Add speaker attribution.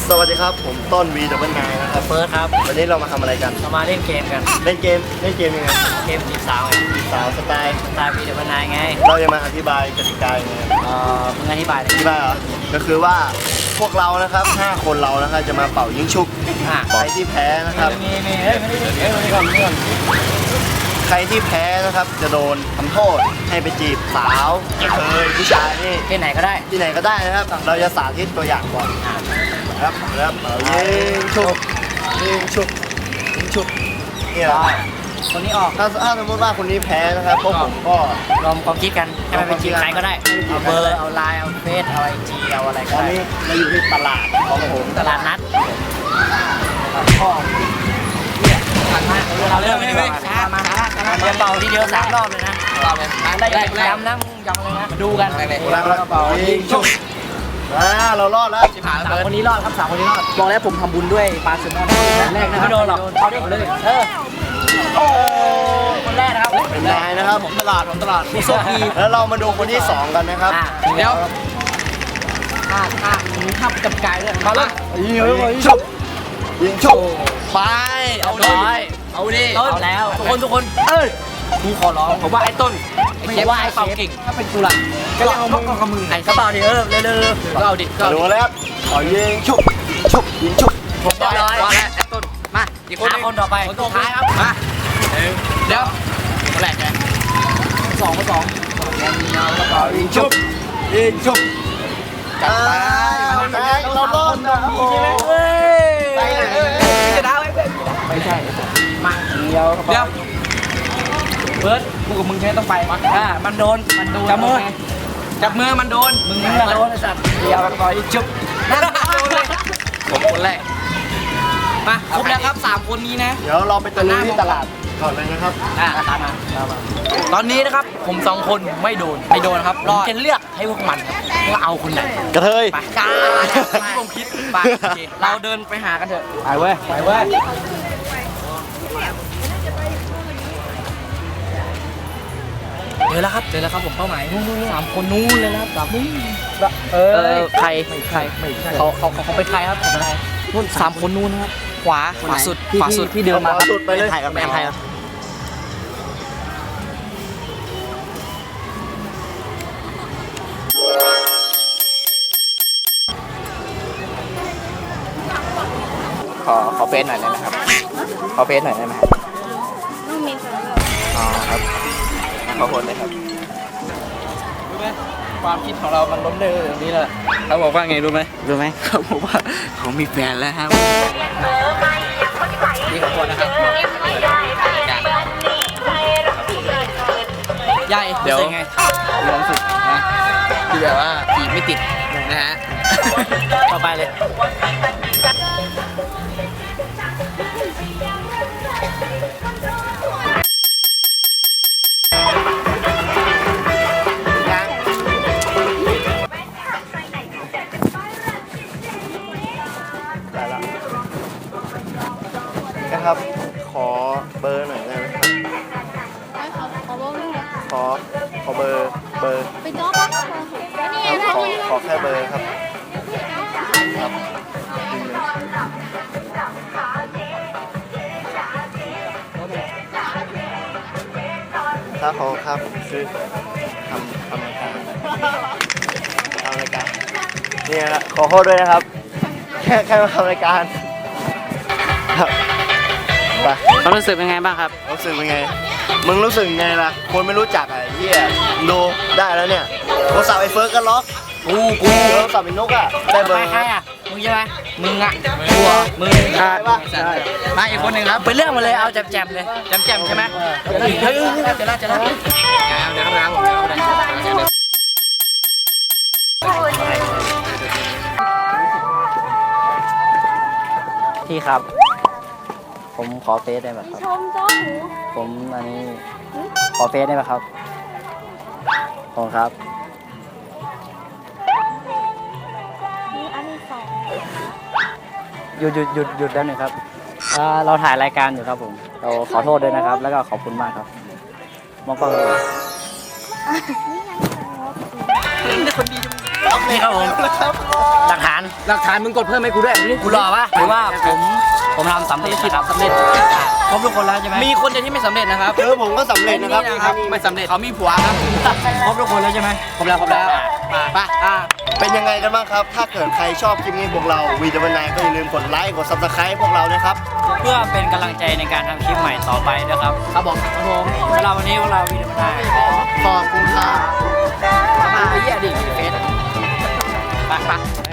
Speaker 1: สวัสดีครับผมต้นวีดับเบิลไนน์นะครับ
Speaker 2: เฟิร์สครับ
Speaker 1: วันนี้เรามาทำอะไรกัน
Speaker 2: เรามาเล่นเกมกัน
Speaker 1: เล่นเกมยังไง
Speaker 2: เกมจีบสาวไง
Speaker 1: สาวสไตล์
Speaker 2: ตายปีเดวันนายไง
Speaker 1: เราจะมาอธิบายกติกายังไง
Speaker 2: มึงอธิบายเลย
Speaker 1: อธิบายเหรอก็คือว่าพวกเรานะครับ5คนเรานะครับจะมาเป่ายิงฉุบใครที่แพ้นะครับ
Speaker 2: มีเฮ้ยไม่ได้ก่อน
Speaker 1: ใครที่แพ้นะครับจะโดนทำโทษให้ไปจีบสาวผู้ชายนี่
Speaker 2: ที่ไหนก็ได้
Speaker 1: ที่ไหนก็ได้นะครับ เราจะสาธิตตัวอย่างก่อนครับแล้วเป่ายิงฉุบยิงฉุบยิงฉุบนี่แหละ
Speaker 2: คนนี้ออก
Speaker 1: ถ้าสมมติว่าคนนี้แพ้นะครับพวกผมก็
Speaker 2: รวมความคิดกันให้มันเป็นจีบใครก็ได้เอาเบอร์เอาไลน์เอาเฟซเอาไอจีเอาอะไร
Speaker 1: ต
Speaker 2: ก็
Speaker 1: อน
Speaker 2: ได้
Speaker 1: นี้เราอยู่ที่ตลาดของผม
Speaker 2: ตลาดนัด
Speaker 1: พ่อ
Speaker 2: เราเริ่มเลยดีกว่ามาเดี๋ยวเป่าทีเดียว3 รอบเลยนะได้ย้ำนะมึงย้ำเลยนะดูกัน
Speaker 1: แล้วเป่ายิงฉุบเรารอดแล้ว
Speaker 2: 3 คนนี้รอดครับ3 คนนี้รอดบอกแล้วผมทำบุญด้วยปลาแซลมอนแรกนะไม่โดนหรอกเขาได้เลยโอ้คนแรกนะครับ
Speaker 1: เป็นนายนะครับผมตลาด
Speaker 2: ผู้โชคดี
Speaker 1: แล้วเรามาดูคนที่2กันนะครับ
Speaker 2: เดี๋ยวมีภาพจับกายด้วยมาเลย
Speaker 1: ยิงฉุบยิงฉุบ
Speaker 2: ไปเอาดิเอาแล้วทุกคนกูขอร้องผมว่าไอ้ต้นไม่ว่าไอ้เป่าเก่งถ้าเป็นกูล่ะก็เอามึงไอ้ก็เป่าดิเร็วก็เอาดิก็
Speaker 1: ดูแล้วขอยิงฉุบฉุบยิงฉุบ
Speaker 2: ผมได้ร้อยแล้วไอ้ต้นมาอีกคนต่อไปคนสุดท้ายครับมาเดี๋ยวคนแรกไง2
Speaker 1: เป่ายิงฉุบยิงฉุบจัดไปเรารอดนะใช่ไหมไปเลย
Speaker 2: ไม่ใช่มาเดียวเบิร์ดกูกับมึงใช้ต้องไปมันโดนจับมือมันโดนมึงโดนไอ้สัตว์เดียวต่อยจุ๊บผมคนแรกมาครบแล้วครับ3 คนนี้นะ
Speaker 1: เดี๋ยวเราไปตะลุยที่ตลาดก่อนเลยนะครับ
Speaker 2: ตามมาตอนนี้นะครับผม2 คนไม่โดนครับรอจะเลือกให้พวกมันว่าเอาคนไหน
Speaker 1: กระเทย
Speaker 2: ไปที่ผมคิดไปเราเดินไปหากันเถอะไปเว้ยเจอแล้วครับผมเป้าหมายนู่น3 คนนู้นเลยนะครับแบบใครไม่ใช่เขาเป็นใครครับผมอะไรนู่น3 คนนู้นนะครับขวาสุดที่เดินมาครับ
Speaker 1: สุดไปเลย
Speaker 2: ถ่ายกับแม่ไทยครับขอเฟซหน่อยได้ไหมครับขอเฟซหน่อยได้ไหมครับ
Speaker 3: ต้องมีสำหรับ
Speaker 2: อ๋อครับขอโทษเลยครับรู้ไหมความคิดของเรามันล้มเหลวอย่างนี้แหละเขาบอกว่าไงรู้ไหมเขาบอกว่าเขามีแฟนแล้วครับนี่ขอโทษนะครับใหญ่เดี๋ยวไงมีความสุขนะที่แบบว่าจีบไม่ติดนะฮะต่อไปเลย
Speaker 1: นะครับขอเบอร์หน่อยได้ไหมครับ
Speaker 3: ไม่ขอบอกเลย
Speaker 1: ขอเบอร์
Speaker 3: ไปจ้อปะนี่
Speaker 1: ขอแค่เบอร์ครับถ้าขอครับผมซื้อทำรายการนี่นะขอโทษด้วยนะครับแค่มาทำรายการครับไป
Speaker 2: เขารู้สึกเป็นไงบ้างครับ
Speaker 1: รู้สึกเป็นไงมึงรู้สึกไงล่ะคนไม่รู้จักไอ้เหี้ยดูได้แล้วเนี่ยโทรศัพท์ไอ้เฟิร์สก็ล็อกกูโทรศัพท์ไอ้นกอ่ะได้เบอร์
Speaker 2: ใครอ่ะมึงใช่ไหมมึงอ่ะมึง
Speaker 1: ใช่ปะใช่
Speaker 2: มาอีกคนหนึ่งครับไปเรื่องมาเลยเอาแจมเลยแจมใช่ไหมเฮ้ยเจะละเดี๋ยวพี่ครับผมขอเฟซได้ไหมครับ
Speaker 3: ชมจ้อหู
Speaker 2: ผมอันนี้ขอเฟซได้ไหมครับขอบคุณครับ
Speaker 3: นี่อันนี้2
Speaker 2: หยุดแล้วหนึ่งครับเราถ่ายรายการอยู่ครับผมเราขอโทษด้วยนะครับ แล้วก็ขอบคุณมากครับมองกล้องเลย
Speaker 3: นี่ยังไง
Speaker 2: นี่ครับผมหลักฐานมึงกดเพิ่มให้กูด้วยกูรอปะหรือว่าผมทำสำเร็จนะครับสำเร็จครบทุกคนแล้วใช่ไหมมีคนเดียวที่ไม่สำเร็จนะครับ
Speaker 1: ผมก็สำเร็จนะครับ
Speaker 2: ไม่สำเร็จเขามีผัวครับครบทุกคนแล้วใช่ไหมครบแล้วไป
Speaker 1: เป็นยังไงกันบ้างครับ ถ้าเกิดใครชอบคลิปนี้พวกเราวีดีโอนายก็อย่าลืมกดไลค์กด Subscribe พวกเรานะครับ
Speaker 2: เพื่อเป็นกำลังใจในการทำคลิปใหม่ต่อไปนะครับครับผมเวลาวันนี้พวกเราวีดีโอนาย
Speaker 1: ขอบคุณครับ
Speaker 2: มาเยี่ยดิเฟสไป